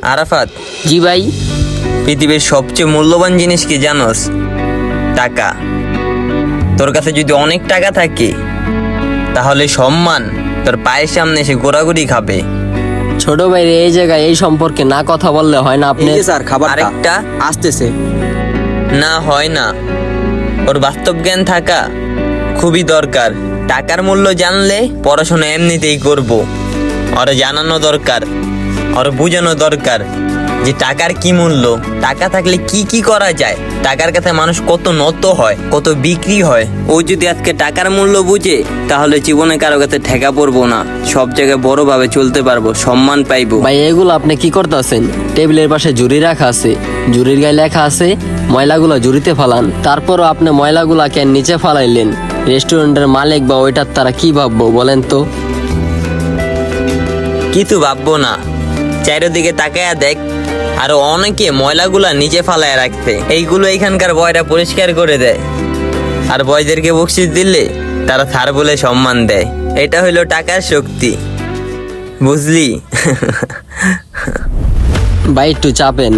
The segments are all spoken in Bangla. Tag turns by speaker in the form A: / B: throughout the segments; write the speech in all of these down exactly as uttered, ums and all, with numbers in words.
A: আরাফাত,
B: জি ভাই।
A: পৃথিবীর সবচেয়ে মূল্যবান জিনিস কি জানোস? টাকা। তোর কাছে যদি অনেক টাকা থাকে তাহলে সম্মান তোর পায়ের সামনে এসে গোড়াগুড়ি খাবে।
B: ছোট ভাই এই জায়গায় এই সম্পর্কে না কথা বললে হয় না আপনি?
C: এই যে স্যার খাবার
A: আরেকটা
C: আসতেছে।
A: না হয় না, ওর বাস্তব জ্ঞান থাকা খুবই দরকার। টাকার মূল্য জানলে পড়াশোনা এমনিতেই করব। ওর জানানো দরকার, ওর বোঝানো দরকার যে টাকার কি মূল্য, টাকা থাকলে কি কি করা যায়, টাকার কাছে মানুষ কত নত হয়, কত বিক্রি হয়। ও যদি আজকে টাকার মূল্য বুঝে তাহলে জীবনে কারো কাছে ঠেকা পড়বো না, সব জায়গায় বড়ভাবে চলতে পারবো, সম্মান পাইবো।
B: ভাই এগুলো আপনি কি করতেছেন? টেবিলের পাশে ঝুড়ি রাখা আছে, ঝুড়ির গায়ে লেখা আছে ময়লাগুলা ঝুড়িতে ফালান। তারপরও আপনি ময়লাগুলা কেন নিচে ফালাইলেন? রেস্টুরেন্টের মালিক বা ওইটার তারা কি ভাববো বলেন তো?
A: কিছু ভাববো না, চারিদিকে তাকায়া দেখ, আরো অনেকে ময়লাগুলা নিচে ফালায় রাখছে। এইগুলো এখানকার বয়রা পরিষ্কার করে দেয়, আর বয়দেরকে বকশিস দিলে তারা স্যার বলে সম্মান দেয়। এটা হইলো টাকার শক্তি, বুঝলি?
B: ভাই একটু চাপেন।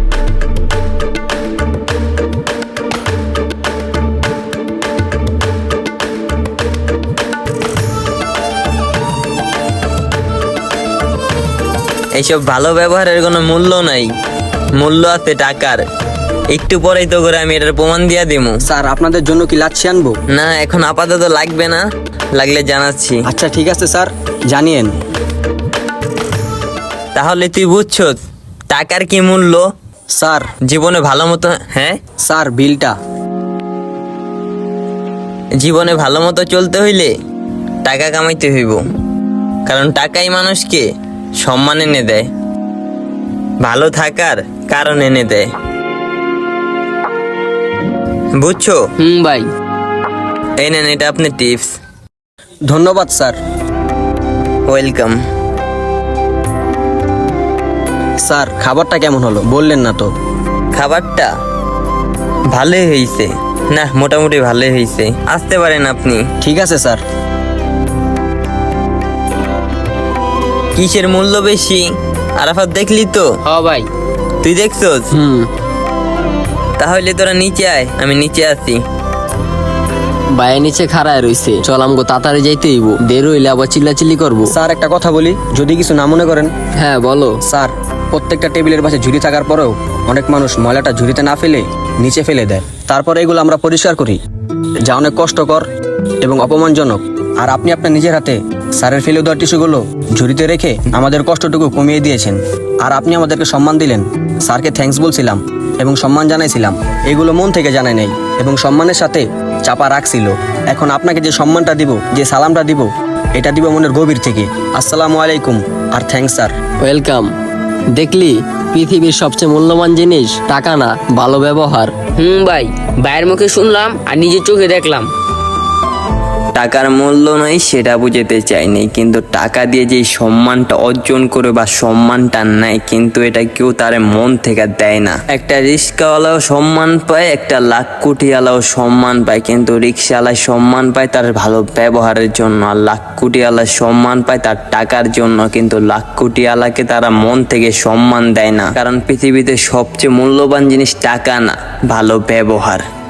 A: এইসব ভালো ব্যবহারের কোনো মূল্য নাই, মূল্য আছে টাকার। একটু পরেই তো করে আমি এটার প্রমাণ দিয়া দিমু।
C: স্যার আপনাদের জন্য কি লাচ্ছি আনবো?
A: না, এখন আপাতত লাগবে না, লাগলে জানাচ্ছি।
C: আচ্ছা ঠিক আছে স্যার, জানিয়েন।
A: তাহলে তুই বুঝছো টাকার কি মূল্য?
C: স্যার
A: জীবনে ভালো মতো, হ্যাঁ
C: স্যার বিলটা।
A: জীবনে ভালো মতো চলতে হইলে টাকা কামাইতে হইব, কারণ টাকাই মানুষকে সম্মান এনে দেয়, ভালো থাকার কারণ এনে দেয়, বুঝছো?
B: হুম ভাই।
A: এই নেন, এটা আপনি টিপস।
C: ধন্যবাদ স্যার।
A: ওয়েলকাম।
C: স্যার খাবারটা কেমন হলো বললেন না তো?
A: খাবারটা ভালোই হয়েছে, না মোটামুটি ভালোই হয়েছে, আসতে পারেন আপনি।
C: ঠিক আছে স্যার।
A: কিসের মূল্য বেশি আরাফাত, দেখলি তো?
B: হ ভাই।
A: তুই দেখছস?
B: হুম।
A: তাহলে তোরা নিচে আয়, আমি নিচে আছি।
B: ভাই নিচে খাড়ায় রইছে, চল আমগো তাড়াতাড়ি যাইতে হইব, দেরি হইলে আবার চিল্লাচিল্লি করবো।
C: স্যার একটা কথা বলি, যদি কিছু না মনে করেন।
B: হ্যাঁ বলো।
C: স্যার প্রত্যেকটা টেবিলের পাশে ঝুড়ি থাকার পরেও অনেক মানুষ ময়লাটা ঝুড়িতে না ফেলে নিচে ফেলে দেয়, তারপরে এগুলো আমরা পরিষ্কার করি, যা অনেক কষ্টকর এবং অপমানজনক। আর আপনি আপনার নিজের হাতে স্যারের ফেলে দেওয়া টিস্যুগুলো ঝুড়িতে রেখে আমাদের কষ্টটুকু কমিয়ে দিয়েছেন। আর আপনি আমাদেরকে সম্মান দিলেন, স্যারকে থ্যাঙ্কস বলছিলাম এবং সম্মান জানাইছিলাম, এগুলো মন থেকে জানাই নাই এবং সম্মানের সাথে চাপা রাখছিল। এখন আপনাকে যে সম্মানটা দিব, যে সালামটা দিব, এটা দিব মনের গভীর থেকে। আসসালামু আলাইকুম আর থ্যাঙ্কস স্যার।
B: ওয়েলকাম। দেখলি পৃথিবীর সবচেয়ে মূল্যবান জিনিস টাকা না, ভালো ব্যবহার।
D: হুম ভাই, ভাইয়ের মুখে শুনলাম আর নিজের চোখে দেখলাম।
A: টাকার মূল্য নাই সেটা বুঝতে চাইনি, কিন্তু টাকা দিয়ে যে সম্মানটা অর্জন করে বা সম্মানটা নেয়, কিন্তু এটা কেউ তার মন থেকে দেয় না। একটা রিক্সাওয়ালাও সম্মান পায়, একটা লাখ কোটিওয়ালাও সম্মান পায়, কিন্তু রিক্সাওয়ালায় সম্মান পায় তার ভালো ব্যবহারের জন্য, আর লাখ কোটিওয়ালা সম্মান পায় তার টাকার জন্য, কিন্তু লাখ কোটিওয়ালাকে তারা মন থেকে সম্মান দেয় না। কারণ পৃথিবীতে সবচেয়ে মূল্যবান জিনিস টাকা না, ভালো ব্যবহার।